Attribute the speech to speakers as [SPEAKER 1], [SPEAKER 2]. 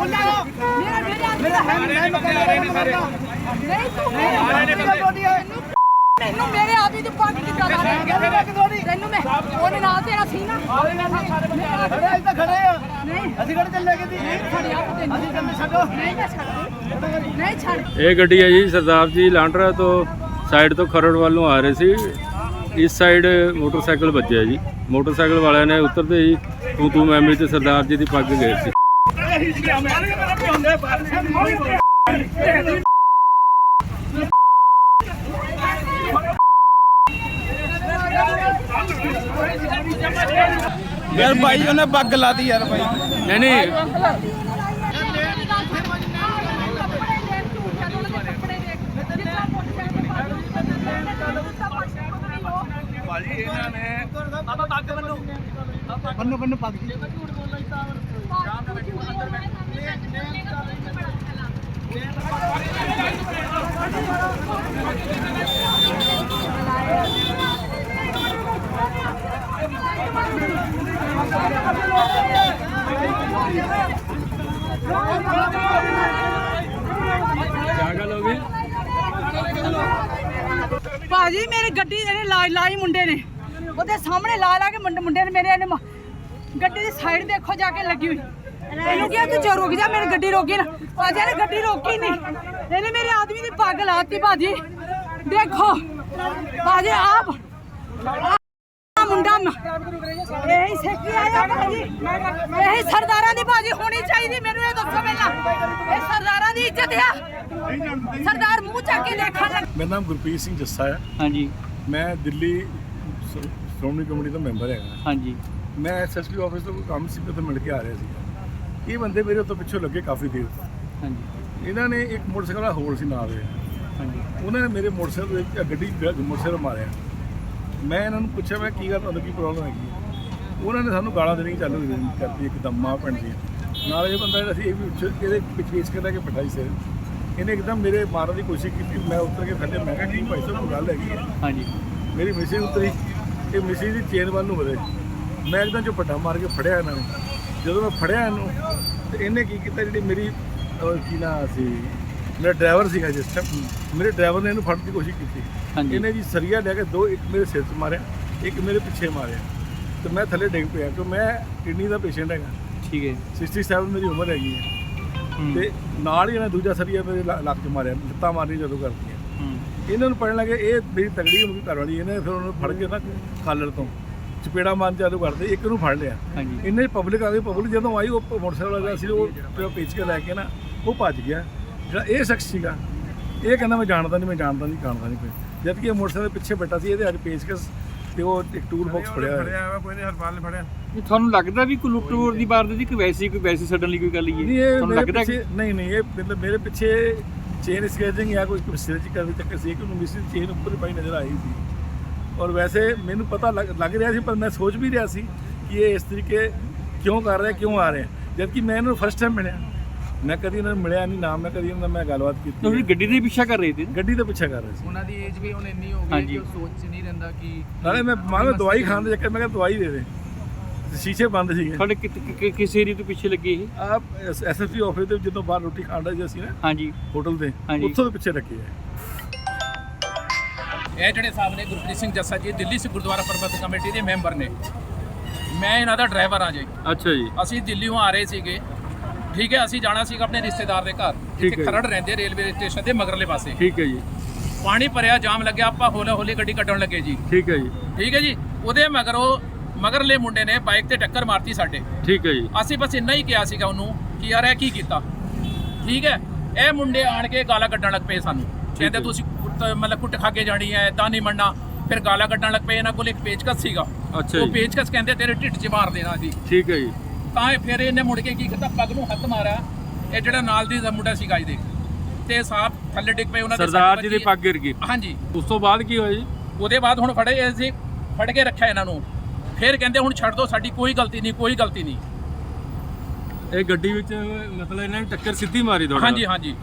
[SPEAKER 1] ਮੈਨੂੰ ਮੇਰੇ ਆਦਮੀ ਦੀ ਪੱਗ ਕਿੱਦਾਂ ਲਾ ਤੈਨੂੰ ਮੈਂ ਉਹਦੇ ਨਾਲ ਤੇਰਾ ਸੀ ਨਾ
[SPEAKER 2] ਖੜੇ ਤਾਂ ਖੜੇ ਆ
[SPEAKER 1] ਨਹੀਂ
[SPEAKER 2] ਅਸੀਂ ਕਿਹੜੇ ਚੱਲੇ ਕਿਤੇ
[SPEAKER 1] ਛੱਡਿਆ ਤੈਨੂੰ
[SPEAKER 2] ਅਸੀਂ ਚੱਲੇ ਛੱਡੋ
[SPEAKER 1] ਨਹੀਂ ਮੈਂ ਛੱਡ ਨਹੀਂ ਛੱਡ।
[SPEAKER 3] ਇਹ ਗੱਡੀ ਹੈ ਜੀ ਸਰਦਾਰ ਜੀ ਲਾਂਡਰਾ ਤੋਂ ਸਾਈਡ ਤੋਂ ਖਰੜ ਵੱਲ ਨੂੰ ਆ ਰਹੇ ਸੀ। ਇਸ ਸਾਈਡ ਮੋਟਰਸਾਈਕਲ ਵੱਜਿਆ ਜੀ। ਮੋਟਰਸਾਈਕਲ ਵਾਲਿਆਂ ਨੇ ਉਤਰਦੇ ਹੀ ਤੂੰ ਮੈਂ ਤੇ ਸਰਦਾਰ ਜੀ ਦੀ ਪੱਗ ਗਏ ਸੀ।
[SPEAKER 2] यार भाई उन्हें पग लाती यार भाई
[SPEAKER 3] नहीं
[SPEAKER 2] बन्नो बन्नो पग
[SPEAKER 3] क्या गल हो गई?
[SPEAKER 1] ਭਾਜੀ ਮੇਰੀ ਗੱਡੀ ਇਹਨੇ ਲਾਈ ਮੁੰਡੇ ਨੇ ਉਹਦੇ ਸਾਹਮਣੇ ਲਾ ਕੇ ਮੁੰਡੇ ਨੇ ਮੇਰੇ ਇਹਨੇ ਗੱਡੀ ਦੀ ਸਾਈਡ ਦੇਖੋ ਜਾ ਕੇ ਲੱਗੀ ਹੋਈ। ਇਹਨੂੰ ਕਿਹਾ ਤੂੰ ਰੁਕ ਜਾ, ਮੇਰੀ ਗੱਡੀ ਰੋਕੀ ਨਾ। ਭਾਜੀ ਇਹਨੇ ਗੱਡੀ ਰੋਕੀ ਨਹੀਂ, ਇਹਨੇ ਮੇਰੇ ਆਦਮੀ ਦੀ ਪੱਗ ਲਾਤੀ। ਭਾਜੀ ਦੇਖੋ ਭਾਜੀ ਆਪ ਮੁੰਡਾ ਇਹੀ ਸੇਕੀ ਆਇਆ ਭਾਜੀ, ਇਹੀ ਸਰਦਾਰਾਂ ਦੀ ਭਾਜੀ ਹੋਣੀ ਚਾਹੀਦੀ। ਮੈਨੂੰ ਇਹ ਦੱਸੋ ਪਹਿਲਾਂ, ਇਹ ਸਰਦਾਰਾਂ ਦੀ ਇੱਜ਼ਤ ਆ? ਸਰਦਾਰ ਮੂੰਹ ਚੱਕ ਕੇ ਦੇਖਣ ਲੱਗ।
[SPEAKER 4] ਮੇਰਾ ਨਾਮ ਗੁਰਪ੍ਰੀਤ ਸਿੰਘ ਜੱਸਾ ਹੈ।
[SPEAKER 3] ਹਾਂਜੀ
[SPEAKER 4] ਮੈਂ ਦਿੱਲੀ ਸ਼੍ਰੋਮਣੀ ਕਮੇਟੀ ਦਾ ਮੈਂਬਰ ਹੈਗਾ।
[SPEAKER 3] ਹਾਂਜੀ
[SPEAKER 4] ਮੈਂ ਐਸਐਸਪੀ ਆਫਿਸ ਤੋਂ ਕੋਈ ਕੰਮ ਸੀ ਤੇ ਮਿਲ ਕੇ ਆ ਰਿਹਾ ਸੀ। ਇਹ ਬੰਦੇ ਮੇਰੇ ਉੱਤੇ ਪਿੱਛੋਂ ਲੱਗੇ ਕਾਫੀ ਦੇਰ ਤੋਂ।
[SPEAKER 3] ਹਾਂਜੀ
[SPEAKER 4] ਇਹਨਾਂ ਨੇ ਇੱਕ ਮੋਟਰਸਾਈਕਲ ਦਾ ਹੋਰ ਸੀ ਨਾਲ ਦੇ,
[SPEAKER 3] ਹਾਂਜੀ
[SPEAKER 4] ਉਹਨਾਂ ਨੇ ਮੇਰੇ ਮੋਟਰਸਾਈਕਲ ਦੇ ਗੱਡੀ ਮੋਟਰਸਾਈਕਲ ਮਾਰਿਆ। ਮੈਂ ਇਹਨਾਂ ਨੂੰ ਪੁੱਛਿਆ ਮੈਂ ਕੀ ਗੱਲ, ਤੁਹਾਨੂੰ ਕੀ ਪ੍ਰੋਬਲਮ ਹੈਗੀ ਹੈ? ਉਹਨਾਂ ਨੇ ਸਾਨੂੰ ਗਾਲਾਂ ਦੇਣੀ ਚਾਲੂ ਕਰਤੀ ਇੱਕਦਮ ਮਾਂ ਭੈਣ ਦੀ। ਨਾਲ ਇਹ ਬੰਦਾ ਜਿਹੜਾ ਸੀ ਇਹ ਵੀ ਇਹਦੇ ਪਿੱਛੇ ਕਰਦਾ ਕਿ ਬਿਠਾਈ ਸਿਰ ਇਹਨੇ ਇੱਕਦਮ ਮੇਰੇ ਮਾਰਨ ਦੀ ਕੋਸ਼ਿਸ਼ ਕੀਤੀ। ਮੈਂ ਉੱਤਰ ਕੇ ਥੱਲੇ, ਮੈਂ ਕਿਹਾ ਕੀ ਭਾਈ ਸਾਹਿਬ ਕੋਈ ਗੱਲ ਹੈਗੀ ਹੈ?
[SPEAKER 3] ਹਾਂਜੀ
[SPEAKER 4] ਮੇਰੀ ਮਿਸਿਸ ਉਤਰੀ, ਇਹ ਮਿਸਿਸ ਦੀ ਚੇਨ ਵੱਲ ਨੂੰ ਵਧੇ। ਮੈਂ ਇੱਕਦਮ ਝਪੱਟਾ ਮਾਰ ਕੇ ਫੜਿਆ ਇਹਨਾਂ ਨੂੰ। ਜਦੋਂ ਮੈਂ ਫੜਿਆ ਇਹਨੂੰ ਤੇ ਇਹਨੇ ਕੀ ਕੀਤਾ, ਜਿਹੜੀ ਮੇਰੀ ਕੀ ਨਾਂ ਸੀ, ਮੇਰਾ ਡਰਾਈਵਰ ਸੀਗਾ ਜਿਸ ਟਾਈਮ, ਮੇਰੇ ਡਰਾਈਵਰ ਨੇ ਇਹਨੂੰ ਫੜਨ ਦੀ ਕੋਸ਼ਿਸ਼ ਕੀਤੀ।
[SPEAKER 3] ਹਾਂਜੀ
[SPEAKER 4] ਇਹਨੇ ਜੀ ਸਰੀਆ ਲੈ ਕੇ ਦੋ, ਇੱਕ ਮੇਰੇ ਸਿਰ 'ਚ ਮਾਰਿਆ, ਇੱਕ ਮੇਰੇ ਪਿੱਛੇ ਮਾਰਿਆ ਤੇ ਮੈਂ ਥੱਲੇ ਡਿੱਗ ਪਿਆ ਕਿਉਂ ਮੈਂ ਕਿਡਨੀ ਦਾ ਪੇਸ਼ੈਂਟ ਹੈਗਾ।
[SPEAKER 3] ਠੀਕ ਹੈ
[SPEAKER 4] 67 ਮੇਰੀ ਉਮਰ ਹੈਗੀ ਹੈ। ਤੇ ਨਾਲ ਹੀ ਇਹਨੇ ਦੂਜਾ ਸਰੀਆ ਮੇਰੇ ਲੱਕ 'ਚ ਮਾਰਿਆ, ਲੱਤਾਂ ਮਾਰਨੀ ਜਦੋਂ ਕਰਦੀਆਂ। ਇਹਨਾਂ ਨੂੰ ਪੜਨ ਲੱਗੇ ਇਹ ਮੇਰੀ ਤਗੜੀ ਹੋ ਗਈ ਘਰ ਵਾਲੀ। ਇਹਨੇ ਫਿਰ ਉਹਨੂੰ ਫੜ ਕੇ ਨਾ ਖਾਲੜ ਤੋਂ ਚਪੇੜਾ ਮਾਰਨ ਚਾਲੂ ਕਰਦੇ, ਇੱਕ ਨੂੰ ਫੜ ਲਿਆ।
[SPEAKER 3] ਹਾਂਜੀ
[SPEAKER 4] ਇੰਨੇ ਪਬਲਿਕ ਆ ਗਈ। ਪਬਲਿਕ ਜਦੋਂ ਆਈ ਉਹ ਮੋਟਰਸਾਈਕਲ ਵਾਲਾ ਸੀ ਉਹ ਪੇਚ ਕੇ ਲੈ ਕੇ ਨਾ ਉਹ ਭੱਜ ਗਿਆ। ਜਿਹੜਾ ਇਹ ਸ਼ਖਸ ਸੀਗਾ ਇਹ ਕਹਿੰਦਾ ਮੈਂ ਜਾਣਦਾ ਨਹੀਂ ਕੋਈ, ਜਦ ਕਿ ਇਹ ਮੋਟਰਸਾਈਕਲ ਦੇ ਪਿੱਛੇ ਬੈਠਾ ਸੀ। ਇਹਦੇ ਅੱਜ ਪੇਚਕਸ ਤੇ ਉਹ ਇੱਕ ਟੂਲ ਬਾਕਸ ਫੜਿਆ ਹੋਇਆ। ਕੋਈ ਨਹੀਂ, ਹਰਪਾਲ ਨੇ ਫੜਿਆ।
[SPEAKER 3] ਤੁਹਾਨੂੰ ਲੱਗਦਾ ਵੀ ਕੋਈ ਲੁੱਟ ਖੋਹ ਦੀ ਵਾਰਦਾਤ ਦੀ ਕੋਈ ਵੈਸੀ ਸਡਨ ਲਈ ਕੋਈ ਗੱਲ ਹੀ
[SPEAKER 4] ਨਹੀਂ,
[SPEAKER 3] ਹੈ?
[SPEAKER 4] ਇਹ
[SPEAKER 3] ਤੁਹਾਨੂੰ
[SPEAKER 4] ਮੇਰੇ
[SPEAKER 3] ਲੱਗਦਾ
[SPEAKER 4] ਪਿੱਛੇ ਨਹੀਂ ਇਹ ਮਤਲਬ ਮੇਰੇ ਪਿੱਛੇ ਚੇਨ ਸਕੈਚਿੰਗ ਜਾਂ ਕੋਈ ਸਿਰ 'ਚ ਕਰਦੇ ਚੱਕਰ ਸੀ ਕਿ ਉਹਨੂੰ ਮਿਸ ਚੇਨ ਉੱਪਰ ਹੀ ਪਾਈ ਨਜ਼ਰ ਆਈ ਸੀ। ਔਰ ਵੈਸੇ ਮੈਨੂੰ ਪਤਾ ਲੱਗ ਰਿਹਾ ਸੀ, ਪਰ ਮੈਂ ਸੋਚ ਵੀ ਰਿਹਾ ਸੀ ਕਿ ਇਹ ਇਸ ਤਰੀਕੇ ਕਿਉਂ ਕਰ ਰਿਹਾ, ਕਿਉਂ ਆ ਰਿਹਾ, ਜਦ ਕਿ ਮੈਂ ਇਹਨੂੰ ਫਸਟ ਟਾਈਮ ਮਿਲਿਆ। ਮੈਂ ਕਦੀ ਇਹਨਾਂ ਨੂੰ ਮਿਲਿਆ ਨਹੀਂ, ਨਾ ਮੈਂ ਕਦੀ ਇਹਨਾਂ ਨਾਲ ਮੈਂ ਗੱਲਬਾਤ ਕੀਤੀ।
[SPEAKER 3] ਤੁਸੀਂ ਗੱਡੀ ਦੇ ਪਿੱਛਾ ਕਰ ਰਹੇ ਸੀ?
[SPEAKER 4] ਗੱਡੀ ਦਾ ਪਿੱਛਾ ਕਰ ਰਹੇ ਸੀ।
[SPEAKER 2] ਉਹਨਾਂ ਦੀ ਏਜ ਵੀ ਹੁਣ ਇੰਨੀ ਹੋ ਗਈ ਕਿ ਉਹ ਸੋਚ ਨਹੀਂ ਰਹਿੰਦਾ ਕਿ
[SPEAKER 4] ਨਾਲੇ ਮੈਂ ਮਾਂ ਦਵਾਈ ਖਾਣ ਦੇ ਚੱਕਰ ਮੈਂ ਕਿਹਾ ਦਵਾਈ ਦੇ ਦੇ, ਸ਼ੀਸ਼ੇ ਬੰਦ ਸੀਗੇ।
[SPEAKER 3] ਤੁਹਾਡੇ ਕਿਸ ਏਰੀਏ ਤੋਂ ਪਿੱਛੇ ਲੱਗੇ ਇਹ?
[SPEAKER 4] ਆਪ ਐਸਐਸਪੀ ਆਫਿਸ ਦੇ ਜਦੋਂ ਬਾਹਰ ਰੋਟੀ ਖਾਣ ਦਾ ਸੀ ਨਾ
[SPEAKER 3] ਹਾਂਜੀ
[SPEAKER 4] ਹੋਟਲ ਦੇ,
[SPEAKER 3] ਹਾਂਜੀ।
[SPEAKER 4] ਉੱਥੋਂ ਦੇ ਪਿੱਛੇ ਰੱਖੇ ਹੈ।
[SPEAKER 5] ਇਹ ਜਿਹੜੇ ਸਾਹਿਬ ਨੇ ਗੁਰਪ੍ਰੀਤ ਸਿੰਘ ਜੱਸਾ ਜੀ ਦਿੱਲੀ ਸੇ ਗੁਰਦੁਆਰਾ ਪ੍ਰਬੰਧਕ ਕਮੇਟੀ ਦੇ ਮੈਂਬਰ ਨੇ। ਮੈਂ ਇਹਨਾਂ ਦਾ ਡਰਾਈਵਰ ਆ ਜੀ।
[SPEAKER 3] ਅੱਛਾ ਜੀ
[SPEAKER 5] ਅਸੀਂ ਦਿੱਲੀੋਂ ਆ ਰਹੇ ਸੀਗੇ, ਠੀਕ ਹੈ। ਅਸੀਂ ਜਾਣਾ ਸੀਗਾ ਆਪਣੇ ਰਿਸ਼ਤੇਦਾਰ ਦੇ ਘਰ, ਜਿੱਥੇ ਖਰੜ ਰਹਿੰਦੇ ਰੇਲਵੇ ਸਟੇਸ਼ਨ ਦੇ ਮਗਰਲੇ ਪਾਸੇ।
[SPEAKER 3] ਠੀਕ ਹੈ ਜੀ।
[SPEAKER 5] ਪਾਣੀ ਭਰਿਆ, ਜਾਮ ਲੱਗਿਆ, ਆਪਾਂ ਹੌਲੀ ਗੱਡੀ ਕੱਢਣ ਲੱਗੇ ਜੀ।
[SPEAKER 3] ਠੀਕ ਹੈ ਜੀ।
[SPEAKER 5] ਠੀਕ ਹੈ ਜੀ। ਉਹਦੇ ਮਗਰਲੇ ਮੁੰਡੇ ਨੇ ਬਾਈਕ ਤੇ ਟੱਕਰ ਮਾਰਤੀ ਸਾਡੇ।
[SPEAKER 3] ਠੀਕ ਹੈ ਜੀ।
[SPEAKER 5] ਅਸੀਂ ਬਸ ਇੰਨਾ ਹੀ ਕਿਹਾ ਸੀਗਾ ਉਹਨੂੰ ਕਿ ਯਾਰ ਇਹ ਕੀ ਕੀਤਾ। ਠੀਕ ਹੈ। ਇਹ ਮੁੰਡੇ ਆਣ ਕੇ ਗਾਲਾਂ ਕੱਢਣ ਲੱਗ ਪਏ ਸਾਨੂੰ, ਕਹਿੰਦੇ ਤੁਸੀਂ ਮਤਲਬ ਕੁੱਟ ਖਾ ਕੇ ਜਾਣੀ ਹੈ, ਏਦਾਂ ਨਹੀਂ ਮੰਨਣਾ। ਫਿਰ ਗਾਲਾਂ ਕੱਢਣ ਲੱਗ ਪਏ। ਇਹਨਾਂ ਕੋਲ ਇੱਕ ਪੇਚਕਸ ਸੀਗਾ।
[SPEAKER 3] ਅੱਛਾ
[SPEAKER 5] ਉਹ
[SPEAKER 3] ਜੀ।
[SPEAKER 5] ਪੇਚਕਸ ਕਹਿੰਦੇ ਤੇਰੇ ਢਿੱਡ 'ਚ ਮਾਰ ਦੇਣਾ ਜੀ।
[SPEAKER 3] ਠੀਕ ਹੈ ਜੀ।
[SPEAKER 5] ਤਾਂ ਫਿਰ ਇਹਨੇ ਮੁੜ ਕੇ ਕੀ ਕੀਤਾ, ਪੱਗ ਨੂੰ ਹੱਥ ਮਾਰਿਆ। ਇਹ ਜਿਹੜਾ ਨਾਲ ਦੀ ਮੁੰਡਾ ਸੀਗਾ ਜੀ, ਤੇ ਸਾਹਬ ਥੱਲੇ ਡਿੱਗ ਪਏ। ਉਹਨਾਂ ਦੇ
[SPEAKER 3] ਸਰਦਾਰ ਜੀ ਦੀ ਪੱਗ ਗਿਰ ਗਈ।
[SPEAKER 5] ਹਾਂਜੀ।
[SPEAKER 3] ਉਸ ਤੋਂ ਬਾਅਦ ਕੀ ਹੋਇਆ ਜੀ?
[SPEAKER 5] ਉਹਦੇ ਬਾਅਦ ਹੁਣ ਫੜ ਕੇ ਰੱਖਿਆ ਇਹਨਾਂ ਨੂੰ। ਫਿਰ ਕਹਿੰਦੇ ਹੁਣ ਛੱਡ ਦਿਓ, ਸਾਡੀ ਕੋਈ ਗਲਤੀ ਨਹੀਂ।
[SPEAKER 3] ਇਹ ਗੱਡੀ ਵਿੱਚ ਮਤਲਬ ਇਹਨਾਂ ਨੇ ਟੱਕਰ ਸਿੱਧੀ ਮਾਰੀ ਤੁਹਾਡੇ?
[SPEAKER 5] ਹਾਂਜੀ।